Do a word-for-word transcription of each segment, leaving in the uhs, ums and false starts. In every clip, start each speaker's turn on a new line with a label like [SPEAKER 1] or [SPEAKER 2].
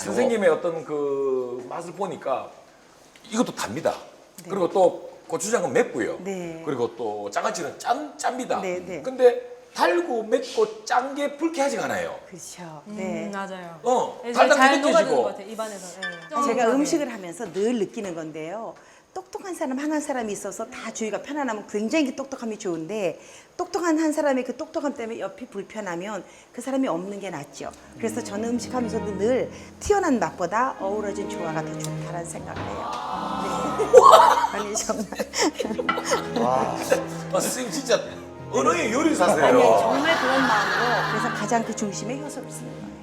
[SPEAKER 1] 선생님의 어떤 그 맛을 보니까 이것도 답니다.
[SPEAKER 2] 네.
[SPEAKER 1] 그리고 또 고추장은 맵고요.
[SPEAKER 2] 네.
[SPEAKER 1] 그리고 또 장아찌는 짠 짭니다.
[SPEAKER 2] 네, 네.
[SPEAKER 1] 근데 달고 맵고 짠 게 불쾌하지가 않아요.
[SPEAKER 2] 그렇죠.
[SPEAKER 3] 음,
[SPEAKER 2] 네.
[SPEAKER 3] 맞아요.
[SPEAKER 1] 어,
[SPEAKER 3] 네,
[SPEAKER 1] 달달하게
[SPEAKER 3] 잘 녹아드는 것
[SPEAKER 1] 느껴지고.
[SPEAKER 3] 같아요, 입안에서. 네.
[SPEAKER 2] 제가
[SPEAKER 3] 쫀쫀하게.
[SPEAKER 2] 음식을 하면서 늘 느끼는 건데요. 똑똑한 사람, 한 한 사람이 있어서 다 주위가 편안하면 굉장히 똑똑함이 좋은데 똑똑한 한 사람의 그 똑똑함 때문에 옆이 불편하면 그 사람이 없는 게 낫죠. 그래서 저는 음식하면서도 늘 튀어난 맛보다 어우러진 조화가 더 좋다라는 생각을 해요. 네. 아니 정말.
[SPEAKER 1] 아, 선생님 진짜 언어의 요리사세요.
[SPEAKER 2] 아니 정말 그런 마음으로 그래서 가장 그 중심에 효소를 쓰는 거예요.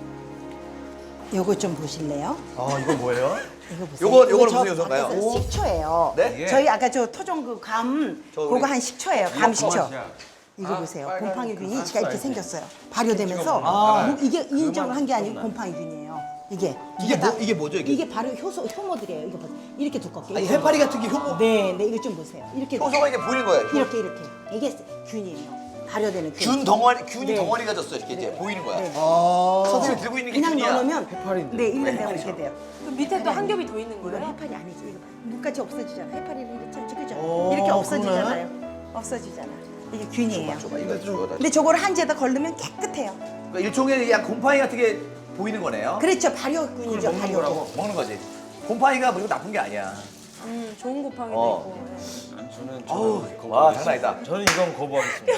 [SPEAKER 2] 요거 좀 보실래요?
[SPEAKER 4] 아, 이건 뭐예요?
[SPEAKER 2] 이거 보세요.
[SPEAKER 4] 요거-
[SPEAKER 2] 이거
[SPEAKER 4] 요거는
[SPEAKER 2] 저
[SPEAKER 4] 무슨 요소인가요?
[SPEAKER 2] 밖에서
[SPEAKER 4] 오.
[SPEAKER 2] 식초예요.
[SPEAKER 4] 네?
[SPEAKER 2] 저희 아까 저 토종 그 감
[SPEAKER 4] 저
[SPEAKER 2] 그거
[SPEAKER 4] 우리-
[SPEAKER 2] 한 식초예요. 감 식초. 이거
[SPEAKER 1] 아,
[SPEAKER 2] 보세요.
[SPEAKER 1] 빨간
[SPEAKER 2] 곰팡이균이
[SPEAKER 1] 그
[SPEAKER 2] 지가 이렇게
[SPEAKER 1] 사이즈.
[SPEAKER 2] 생겼어요. 발효되면서
[SPEAKER 4] 아.
[SPEAKER 2] 뭐 이게 인정을 한 게 아니고 곰팡이균이에요. 이게
[SPEAKER 4] 이게
[SPEAKER 2] 다-
[SPEAKER 4] 뭐- 이게 뭐죠, 이게?
[SPEAKER 2] 이게 바로 효소 효모들이에요. 이거 보세요. 이렇게 두껍게.
[SPEAKER 4] 아니, 해파리 같은 게 효모,
[SPEAKER 2] 네, 네 이거 좀 보세요. 이렇게
[SPEAKER 4] 효소가 이게 보이는 거예요. 효-
[SPEAKER 2] 이렇게 이렇게 이게 균이에요. 발효되는 균.
[SPEAKER 4] 균 덩어리, 균이
[SPEAKER 2] 네.
[SPEAKER 4] 덩어리가 졌어 이렇게 이제
[SPEAKER 2] 네.
[SPEAKER 4] 보이는 거야.
[SPEAKER 2] 네.
[SPEAKER 4] 아. 선생님이 들고 있는 게
[SPEAKER 2] 그냥
[SPEAKER 4] 균이야.
[SPEAKER 2] 넣어놓으면
[SPEAKER 4] 해파리인데.
[SPEAKER 2] 네, 일 년
[SPEAKER 4] 왜
[SPEAKER 2] 되면
[SPEAKER 4] 해파리죠?
[SPEAKER 2] 이렇게 돼요.
[SPEAKER 3] 그 밑에 또 한 겹이 더 있는
[SPEAKER 2] 이건
[SPEAKER 3] 거예요?
[SPEAKER 2] 해파리 아니지. 이거 봐. 눈까지 없어지잖아. 해파리는 이렇게 참 그죠?
[SPEAKER 4] 오,
[SPEAKER 2] 이렇게 없어지잖아요. 없어지잖아. 이게 균이에요.
[SPEAKER 4] 줘봐, 이거 좀.
[SPEAKER 2] 근데 저걸 한지에다 걸르면 깨끗해요.
[SPEAKER 4] 그러니까 일종의 그냥 곰팡이 같은 게 보이는 거네요.
[SPEAKER 2] 그렇죠. 발효균이죠. 발효균.
[SPEAKER 4] 먹는 거지. 곰팡이가 뭐 이거 나쁜 게 아니야.
[SPEAKER 3] 음, 좋은 곱팡이도
[SPEAKER 4] 어.
[SPEAKER 3] 있고. 네.
[SPEAKER 5] 저는
[SPEAKER 4] 어우,
[SPEAKER 5] 저는
[SPEAKER 4] 와, 장난 아니다.
[SPEAKER 5] 저는 이건 거부하겠습니다.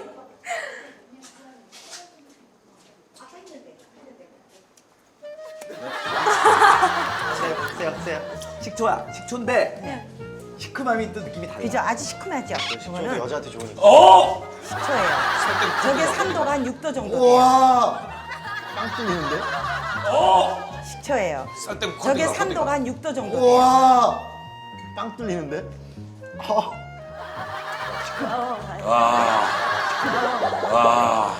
[SPEAKER 4] 세요, 세요, 세요. 식초야, 식초인데 시큼함이 또 느낌이 달라.
[SPEAKER 2] 그죠? 아주 시큼하죠.
[SPEAKER 5] 저도
[SPEAKER 2] 이거는
[SPEAKER 5] 여자한테 좋으니까.
[SPEAKER 1] 어!
[SPEAKER 2] 식초예요. 저게 삼 도가 한 육 도 정도 돼요.
[SPEAKER 4] 우와.
[SPEAKER 5] 빵 뚫리는데?
[SPEAKER 1] 어!
[SPEAKER 2] 식초예요.
[SPEAKER 1] 설탕
[SPEAKER 2] 저게
[SPEAKER 1] 코딩이가,
[SPEAKER 2] 삼 도가
[SPEAKER 1] 코딩이가.
[SPEAKER 2] 한 육 도 정도 돼요.
[SPEAKER 4] 우와.
[SPEAKER 5] 빵 뚫리는데?
[SPEAKER 4] 어.
[SPEAKER 1] 와. 와.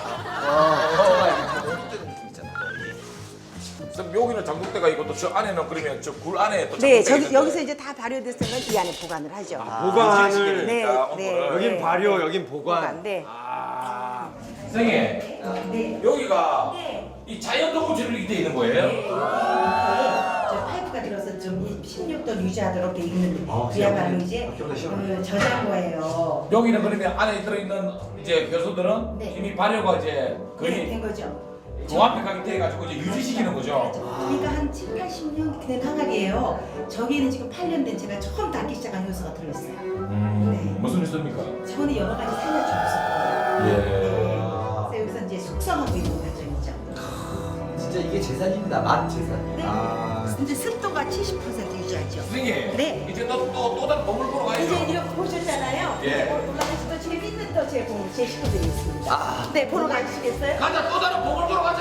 [SPEAKER 1] 그럼 여기는 장독대가 있고 또 저 안에는 그러면 저 굴 안에 또
[SPEAKER 2] 네,
[SPEAKER 1] 장독대가
[SPEAKER 2] 저기
[SPEAKER 1] 있는데.
[SPEAKER 2] 여기서 이제 다 발효됐으면 이 안에 보관을 하죠.
[SPEAKER 5] 보관을.
[SPEAKER 2] 네,
[SPEAKER 1] 그러니까
[SPEAKER 2] 네.
[SPEAKER 1] 온도를.
[SPEAKER 5] 여긴
[SPEAKER 2] 네,
[SPEAKER 5] 발효,
[SPEAKER 2] 네.
[SPEAKER 5] 여긴 보관.
[SPEAKER 2] 보관. 네.
[SPEAKER 1] 아. 선생님,
[SPEAKER 2] 네.
[SPEAKER 1] 여기가 이 자연 동물처럼 이렇게 돼 있는 거예요?
[SPEAKER 2] 저 파이프가 들어서 좀 십육 도 유지하도록 돼 있는 그야말로 이제 그 저장고예요.
[SPEAKER 1] 여기는 그러면 안에 들어있는 이제 효소들은
[SPEAKER 2] 네.
[SPEAKER 1] 이미 발효가 이제
[SPEAKER 2] 네,
[SPEAKER 1] 거의
[SPEAKER 2] 된 거죠.
[SPEAKER 1] 종합백하게 돼가지고 이제 유지시키는 거죠.
[SPEAKER 2] 그러니까 한 칠, 팔십 년 된 항아리예요. 저기는 지금 팔 년 된 제가 처음 닦기 시작한 효소가 들어있어요.
[SPEAKER 1] 음,
[SPEAKER 2] 네.
[SPEAKER 1] 무슨 효소입니까?
[SPEAKER 2] 저는 여러 가지 살려주고 있었거든요.
[SPEAKER 1] 예.
[SPEAKER 2] 그래서 여기서 이제 숙성하고 있는 과정이죠.
[SPEAKER 4] 진짜 이게 재산입니다. 맛 재산.
[SPEAKER 2] 네.
[SPEAKER 4] 아.
[SPEAKER 2] 이제 습도가 칠십 퍼센트 유지하죠.
[SPEAKER 1] 선생님,
[SPEAKER 2] 네.
[SPEAKER 1] 이제 또, 또, 또 다른 보물 보러 가야죠.
[SPEAKER 2] 이제 이렇게 보셨잖아요.
[SPEAKER 1] 예.
[SPEAKER 2] 올라가서 또 재밌는 또 제, 공- 제 식구들이 있습니다.
[SPEAKER 4] 아.
[SPEAKER 2] 네, 보러 가시겠어요?
[SPEAKER 1] 가자, 또 다른 보물 보러 가자.